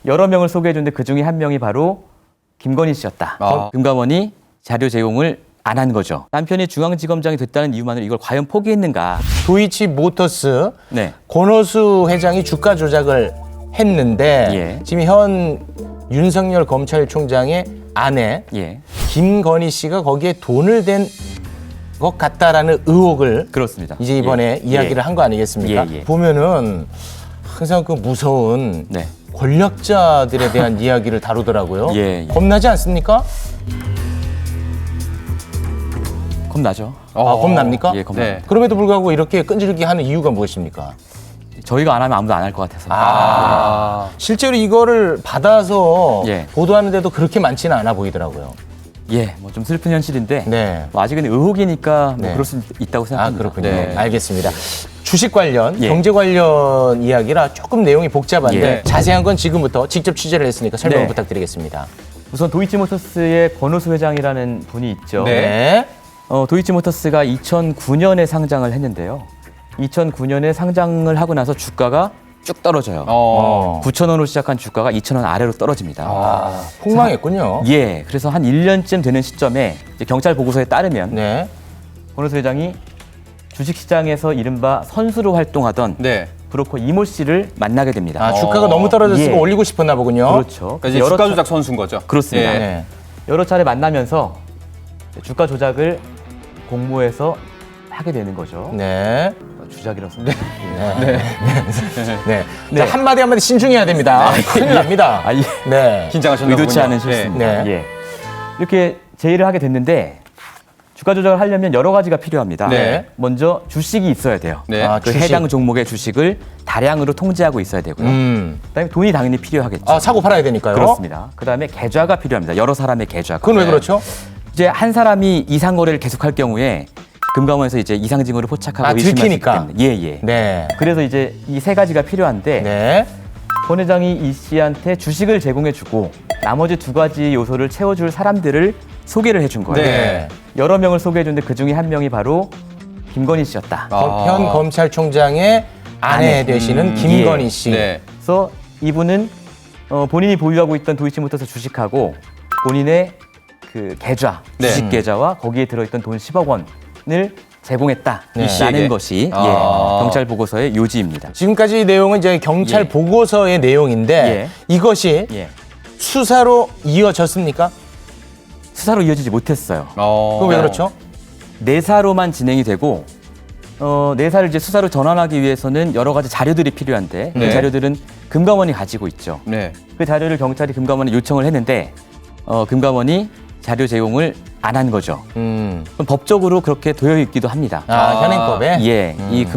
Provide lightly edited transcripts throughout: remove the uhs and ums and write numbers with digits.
여러 명을 소개해줬는데 그중에 한 명이 바로 김건희 씨였다. 금감원이 자료 제공을 안 한 거죠. 남편이 중앙지검장이 됐다는 이유만으로 이걸 과연 포기했는가. 도이치모터스 네. 권오수 회장이 주가 조작을 했는데 예. 지금 현 윤석열 검찰총장의 아내 예. 김건희 씨가 거기에 돈을 댄 것 같다라는 의혹을 그렇습니다. 이제 이번에 예. 이야기를 한 거 아니겠습니까? 예, 예. 보면은 항상 그 무서운 네. 권력자들에 대한 이야기를 다루더라고요. 예, 예. 겁나지 않습니까? 겁나죠. 겁납니까? 예, 겁나요. 네. 그럼에도 불구하고 이렇게 끈질기게 하는 이유가 무엇입니까? 저희가 안 하면 아무도 안 할 것 같아서. 실제로 이거를 받아서 예. 보도하는데도 그렇게 많지는 않아 보이더라고요. 예, 뭐 좀 슬픈 현실인데 네. 뭐 아직은 의혹이니까 뭐 네. 그럴 수 있다고 아, 생각합니다. 그렇군요. 네. 알겠습니다. 주식 관련, 예. 경제 관련 이야기라 조금 내용이 복잡한데 예. 자세한 건 지금부터 직접 취재를 했으니까 설명 네. 부탁드리겠습니다. 우선 도이치모터스의 권오수 회장이라는 분이 있죠. 네. 도이치모터스가 2009년에 상장을 했는데요. 2009년에 상장을 하고 나서 주가가 쭉 떨어져요. 9,000원으로 시작한 주가가 2,000원 아래로 떨어집니다. 폭망했군요. 예, 그래서 한 1년쯤 되는 시점에 이제 경찰 보고서에 따르면 네. 권오수 회장이 주식시장에서 이른바 선수로 활동하던 네. 브로커 이모 씨를 만나게 됩니다. 아, 주가가 너무 떨어졌으니까 예. 올리고 싶었나 보군요. 그렇죠. 그러니까 이제 여러 주가 차- 조작 선수인 거죠. 그렇습니다. 예. 네. 여러 차례 만나면서 주가 조작을 공모해서 하게 되는 거죠. 네. 주작이라서. 네. 자, 한마디 한마디 신중해야 됩니다. 큰일 납니다. 아, 예. 네. 긴장하셨나 의도치 보군요. 않은 실수입니다. 네. 예. 이렇게 제의를 하게 됐는데 주가 조작을 하려면 여러 가지가 필요합니다. 네. 먼저 주식이 있어야 돼요. 네. 아, 그 주식. 해당 종목의 주식을 다량으로 통제하고 있어야 되고요. 네. 그다음에 돈이 당연히 필요하겠죠. 아, 사고 팔아야 되니까요. 그렇습니다. 그다음에 계좌가 필요합니다. 여러 사람의 계좌가. 그건 왜 그렇죠? 이제 한 사람이 이상 거래를 계속할 경우에 금감원에서 이제 이상 징후를 포착하고 아, 의심할 수 있기 들키니까. 때문에. 예. 네. 그래서 이제 이 세 가지가 필요한데 네. 권 회장이 이 씨한테 주식을 제공해주고 나머지 두 가지 요소를 채워줄 사람들을 소개를 해준 거예요. 네. 여러 명을 소개해줬는데 그중에 한 명이 바로 김건희 씨였다. 현 검찰총장의 아내 되시는 김건희 씨. 네. 그래서 이분은 본인이 보유하고 있던 도이치모터스 주식하고 본인의 그 계좌, 네. 주식 계좌와 거기에 들어있던 돈 10억 원을 제공했다라는 이 씨에게? 것이 아. 예, 경찰 보고서의 요지입니다. 지금까지 내용은 이제 경찰 예. 보고서의 내용인데 예. 이것이 예. 수사로 이어졌습니까? 수사로 이어지지 못했어요. 그건 왜 그렇죠? 내사로만 진행이 되고 내사를 이제 수사로 전환하기 위해서는 여러 가지 자료들이 필요한데 네. 그 자료들은 금감원이 가지고 있죠. 네. 그 자료를 경찰이 금감원에 요청을 했는데 금감원이 자료 제공을 안 한 거죠. 그럼 법적으로 그렇게 되어 있기도 합니다. 현행법에? 예, 이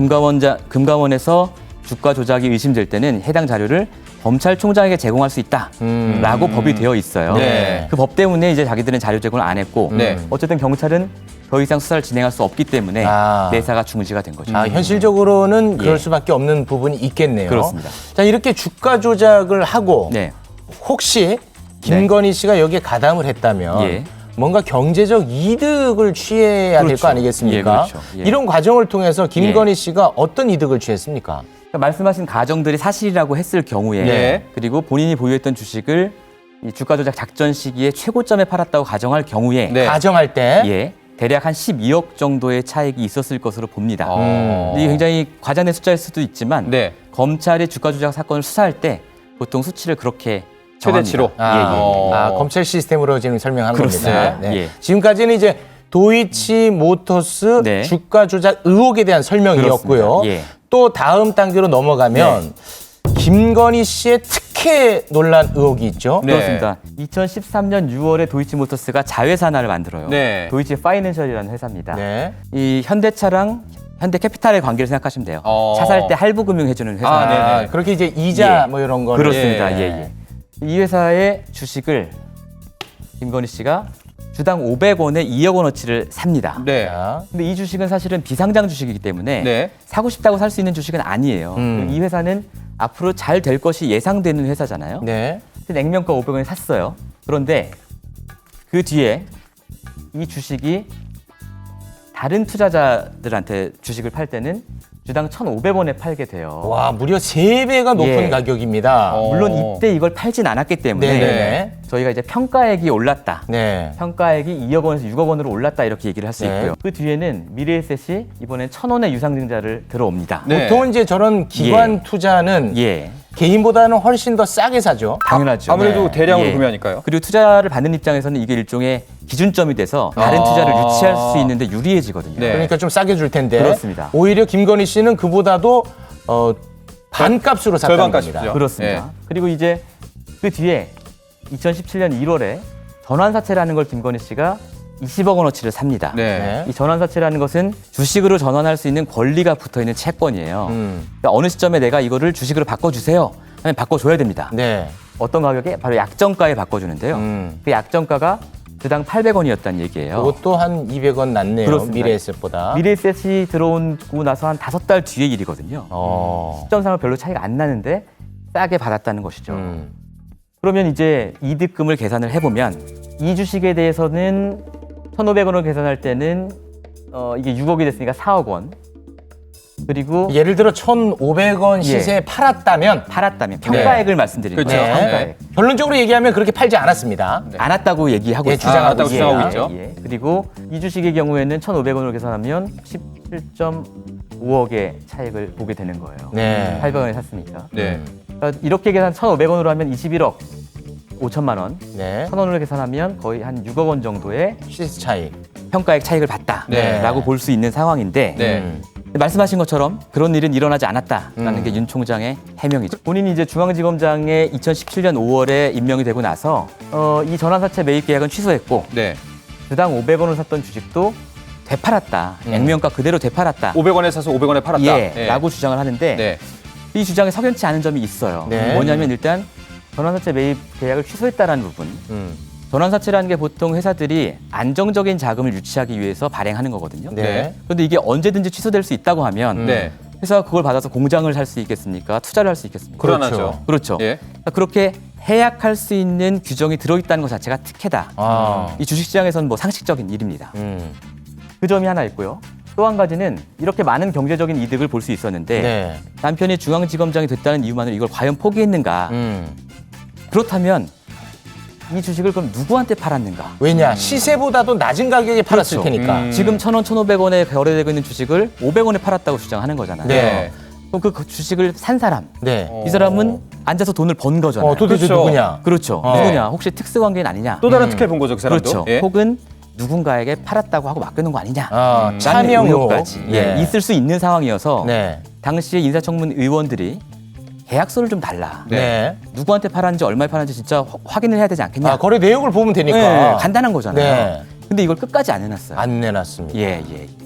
금감원에서 주가 조작이 의심될 때는 해당 자료를 검찰총장에게 제공할 수 있다라고 법이 되어 있어요. 네. 그 법 때문에 이제 자기들은 자료 제공을 안 했고 네. 어쨌든 경찰은 더 이상 수사를 진행할 수 없기 때문에 아. 내사가 중지가 된 거죠. 현실적으로는 그럴 예. 수밖에 없는 부분이 있겠네요. 그렇습니다. 자, 이렇게 주가 조작을 하고 네. 혹시 김건희 씨가 여기에 가담을 했다면 예. 뭔가 경제적 이득을 취해야 될 그렇죠. 거 아니겠습니까? 예, 그렇죠. 예. 이런 과정을 통해서 김건희 씨가 어떤 이득을 취했습니까? 그러니까 말씀하신 가정들이 사실이라고 했을 경우에 네. 그리고 본인이 보유했던 주식을 이 주가 조작 작전 시기에 최고점에 팔았다고 가정할 경우에 네. 가정할 때 예, 대략 한 12억 정도의 차익이 있었을 것으로 봅니다. 어. 이게 굉장히 과장된 숫자일 수도 있지만 네. 검찰이 주가 조작 사건을 수사할 때 보통 수치를 그렇게 정합니다. 최대치로? 검찰 시스템으로 지금 설명하는 그렇습니다. 겁니다. 네. 예. 지금까지는 이제 도이치모터스 네. 주가 조작 의혹에 대한 설명이었고요. 그렇습니다. 예. 또 다음 단계로 넘어가면 김건희 씨의 특혜 논란 의혹이 있죠. 네. 그렇습니다. 2013년 6월에 도이치모터스가 자회사를 만들어요. 네. 도이치 파이낸셜이라는 회사입니다. 네. 이 현대차랑 현대캐피탈의 관계를 생각하시면 돼요. 어. 차 살 때 할부금융 해주는 회사. 아, 네네. 그렇게 이제 이자 예. 뭐 이런 거를 그렇습니다. 예. 예. 이 회사의 주식을 김건희 씨가 주당 500원에 2억 원어치를 삽니다. 네. 자, 근데 이 주식은 사실은 비상장 주식이기 때문에 네. 사고 싶다고 살 수 있는 주식은 아니에요. 이 회사는 앞으로 잘 될 것이 예상되는 회사잖아요. 네. 근데 액면가 500원에 샀어요. 그런데 그 뒤에 이 주식이 다른 투자자들한테 주식을 팔 때는 주당 1,500원에 팔게 돼요. 와, 무려 3배가 높은 예. 가격입니다. 물론 이때 이걸 팔진 않았기 때문에 네네. 저희가 이제 평가액이 올랐다. 네. 평가액이 2억 원에서 6억 원으로 올랐다 이렇게 얘기를 할 수 네. 있고요. 그 뒤에는 미래에셋이 이번엔 1,000원의 유상증자를 들어옵니다. 네. 보통은 이제 저런 기관 예. 투자는 예, 개인보다는 훨씬 더 싸게 사죠. 당연하죠. 아무래도 네. 대량으로 예. 구매하니까요. 그리고 투자를 받는 입장에서는 이게 일종의 기준점이 돼서 다른 투자를 유치할 수 있는데 유리해지거든요. 네. 그러니까 좀 싸게 줄 텐데. 그렇습니다. 오히려 김건희 씨는 그보다도 반값으로 샀다는 절반값이죠. 겁니다. 그렇습니다. 예. 그리고 이제 그 뒤에 2017년 1월에 전환사채라는 걸 김건희 씨가 20억 원어치를 삽니다. 네. 네. 이 전환사채라는 것은 주식으로 전환할 수 있는 권리가 붙어있는 채권이에요. 그러니까 어느 시점에 내가 이거를 주식으로 바꿔주세요 하면 바꿔줘야 됩니다. 네. 어떤 가격에? 바로 약정가에 바꿔주는데요. 그 약정가가 주당 800원이었다는 얘기예요. 그것도 한 200원 낮네요. 그렇습니다. 미래에셋보다. 미래에셋이 들어오고 나서 한 5달 뒤의 일이거든요. 시점상으로 별로 차이가 안 나는데 싸게 받았다는 것이죠. 그러면 이제 이득금을 계산을 해보면 이 주식에 대해서는 1,500원을 계산할 때는 이게 6억이 됐으니까 4억 원. 그리고 예를 들어 1,500원 시세에 예. 팔았다면 팔았다면 평가액을 말씀드리는 그렇죠. 거예요. 네. 평가액. 결론적으로 얘기하면 그렇게 팔지 않았습니다. 안 왔다고 얘기하고 예, 있습니다. 주장하고 안 왔다고 주장하고 있죠. 예. 그리고 이 주식의 경우에는 1,500원으로 계산하면 17.5억의 차익을 보게 되는 거예요. 네. 800원에 샀으니까. 네. 그러니까 이렇게 계산 1,500원으로 하면 21억 5천만 원. 네. 1,000원으로 계산하면 거의 한 6억 원 정도의 시세 차이. 평가액 차익을 봤다라고 네. 볼 수 있는 상황인데 네. 말씀하신 것처럼 그런 일은 일어나지 않았다라는 게 윤 총장의 해명이죠. 본인이 이제 중앙지검장에 2017년 5월에 임명이 되고 나서 이 전환사채 매입 계약은 취소했고 네. 주당 500원을 샀던 주식도 되팔았다. 액면가 그대로 되팔았다. 500원에 사서 500원에 팔았다. 예, 라고 주장을 하는데 네. 이 주장에 석연치 않은 점이 있어요. 네. 뭐냐면 일단 전환사채 매입 계약을 취소했다라는 부분. 전환사채라는 게 보통 회사들이 안정적인 자금을 유치하기 위해서 발행하는 거거든요. 네. 그런데 이게 언제든지 취소될 수 있다고 하면 네. 회사가 그걸 받아서 공장을 살 수 있겠습니까? 투자를 할 수 있겠습니까? 불안하죠. 그렇죠. 예. 그러니까 그렇게 해약할 수 있는 규정이 들어있다는 것 자체가 특혜다. 아. 이 주식시장에서는 뭐 상식적인 일입니다. 음. 그 점이 하나 있고요. 또 한 가지는 이렇게 많은 경제적인 이득을 볼 수 있었는데 네. 남편이 중앙지검장이 됐다는 이유만으로 이걸 과연 포기했는가? 그렇다면 이 주식을 그럼 누구한테 팔았는가? 왜냐? 시세보다도 낮은 가격에 팔았을 그렇죠. 테니까. 지금 1,000원, 1,500원에 거래되고 있는 주식을 500원에 팔았다고 주장하는 거잖아요. 네. 그럼 그 주식을 산 사람, 네. 이 사람은 앉아서 돈을 번 거잖아요. 도대체 그렇죠. 누구냐? 그렇죠. 누구냐? 혹시 특수관계인 아니냐? 또 다른 특혜 본 거죠, 그 사람도. 그렇죠. 예. 혹은 누군가에게 팔았다고 하고 맡겨놓은 거 아니냐? 차명 의혹. 의혹까지 네. 있을 수 있는 상황이어서 네. 당시에 인사청문 의원들이 계약서를 좀 달라. 네. 누구한테 팔았는지 얼마에 팔았는지 진짜 확인을 해야 되지 않겠냐? 거래 내역을 보면 되니까. 네, 간단한 거잖아요. 네. 근데 이걸 끝까지 안 해놨어요. 안 내놨습니다. 예.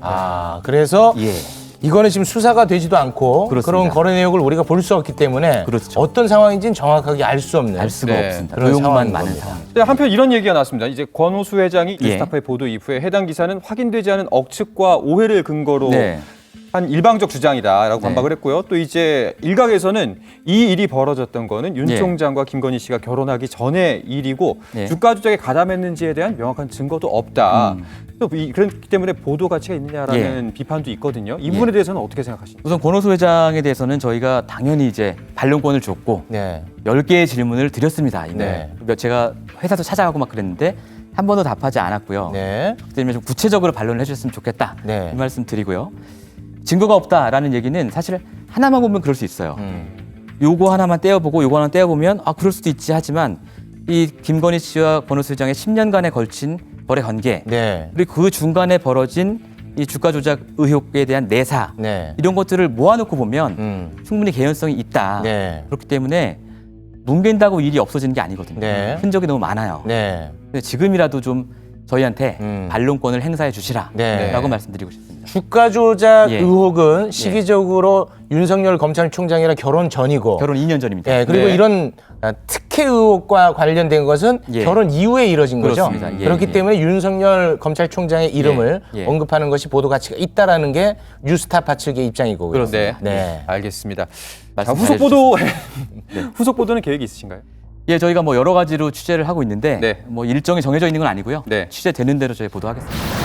그래서 예. 이거는 지금 수사가 되지도 않고 그렇습니다. 그런 거래 내역을 우리가 볼 수 없기 때문에 그렇죠. 어떤 상황인지는 정확하게 알 수 없는 알 수가 네, 없습니다. 그런 의혹만 상황인 많은 겁니다. 상황. 네, 한편 이런 얘기가 나왔습니다. 이제 권오수 회장이 예. 뉴스타파의 보도 이후에 해당 기사는 확인되지 않은 억측과 오해를 근거로 네. 한 일방적 주장이다라고 네. 반박을 했고요. 또 이제 일각에서는 이 일이 벌어졌던 거는 윤 예. 총장과 김건희 씨가 결혼하기 전의 일이고 네. 주가 조작에 가담했는지에 대한 명확한 증거도 없다. 또 그렇기 때문에 보도 가치가 있느냐라는 비판도 있거든요. 이 부분에 대해서는 어떻게 생각하십니까? 우선 권오수 회장에 대해서는 저희가 당연히 이제 반론권을 줬고 네. 10개의 질문을 드렸습니다. 이미. 네. 제가 회사도 찾아가고 막 그랬는데 한 번도 답하지 않았고요. 네. 그렇기 때문에 좀 구체적으로 반론을 해주셨으면 좋겠다. 네. 이 말씀 드리고요. 증거가 없다라는 얘기는 사실 하나만 보면 그럴 수 있어요. 요거 하나만 떼어보고 요거 하나 떼어보면 그럴 수도 있지 하지만 이 김건희 씨와 권오수 회장의 10년간에 걸친 거래 관계 네. 그리고 그 중간에 벌어진 이 주가 조작 의혹에 대한 내사 네. 이런 것들을 모아놓고 보면 충분히 개연성이 있다. 네. 그렇기 때문에 뭉갠다고 일이 없어지는 게 아니거든요. 네. 흔적이 너무 많아요. 네. 근데 지금이라도 좀 저희한테 반론권을 행사해 주시라라고 네. 말씀드리고 싶습니다. 주가 조작 예. 의혹은 시기적으로 윤석열 검찰총장이랑 결혼 전이고 결혼 2년 전입니다. 예, 그리고 네. 이런 특혜 의혹과 관련된 것은 예. 결혼 이후에 이뤄진 거죠. 그렇습니다. 예, 그렇기 예. 때문에 윤석열 검찰총장의 이름을 예. 언급하는 것이 보도 가치가 있다라는 게 뉴스타파 측의 입장이고. 그렇습니다. 네. 알겠습니다. 자, 말씀 후속 잘해주셨습니다. 보도 후속 보도는 계획이 있으신가요? 예, 저희가 뭐 여러 가지로 취재를 하고 있는데 네. 뭐 일정이 정해져 있는 건 아니고요. 네. 취재되는 대로 저희 보도하겠습니다.